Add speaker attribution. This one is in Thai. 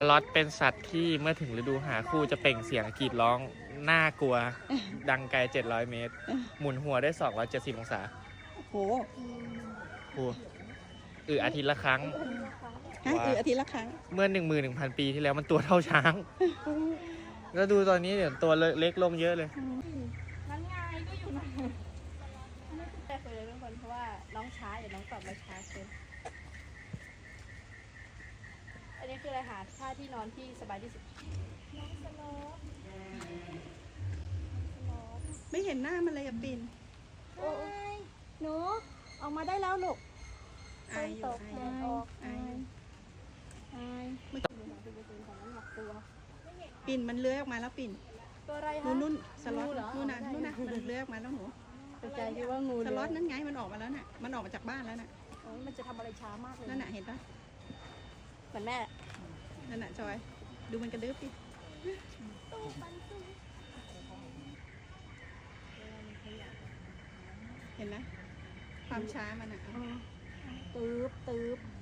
Speaker 1: ล็อตเป็นสัตว์ที่เมื่อถึงฤดูหาคู่จะเปล่งเสียงกรีดร้องน่ากลัว ดังไกล 700 เมตร หมุนหัวได้ 270 องศา
Speaker 2: โอ้โห
Speaker 1: โอ้อาทิตย์ละครั้ง
Speaker 2: ฮะอาทิตย์ละครั้ง
Speaker 1: เมื่อ 11,000 ปีที่แล้วมันตัวเท่าช้าง แล้วดูตอนนี้เดี๋ยวตัวเล็กลงเยอะเลย
Speaker 3: นั่นไงก็อยู่นั่นไม่ติดใจเลยทุกคนเพราะว่าน้องช้าอย่าน้องตอบมาช้าเกินอันนี้คืออะไรหาท่าที่นอนที่สบายที่สุดน้องสโลป
Speaker 2: ไม่เห็นหน้ามันเลยอะปิ่น
Speaker 3: โอ้ยหนูออกมาได้แล้วลูก
Speaker 2: อายอยู่
Speaker 3: แดดออก
Speaker 2: อายอยู่
Speaker 3: อายไม่ถึงของน้ำหนักตัว
Speaker 2: ปิ่นมันเลื้อยออกมาแล้วปิ่น
Speaker 3: ตัวอะไรคะ
Speaker 2: นู่นสล็อต
Speaker 3: งูเหรอ
Speaker 2: นู่นน่ะมันเลื้อยออกมาแล้วหนู
Speaker 3: ตกใจคิดว่างู
Speaker 2: สล็อตนั่นไงมันออกมาแล้วน่ะมันออกมาจากบ้านแล้วน่ะ
Speaker 3: โอ้ยมันจะทำอะไรช้ามากเลย
Speaker 2: นั่นน่ะเห็นปะ
Speaker 3: เหมือนแม่
Speaker 2: นั่นน่ะจอยดูมันกระดึ๊บดิเห็นไหมความช้ามันอ่ะ
Speaker 3: ตืบ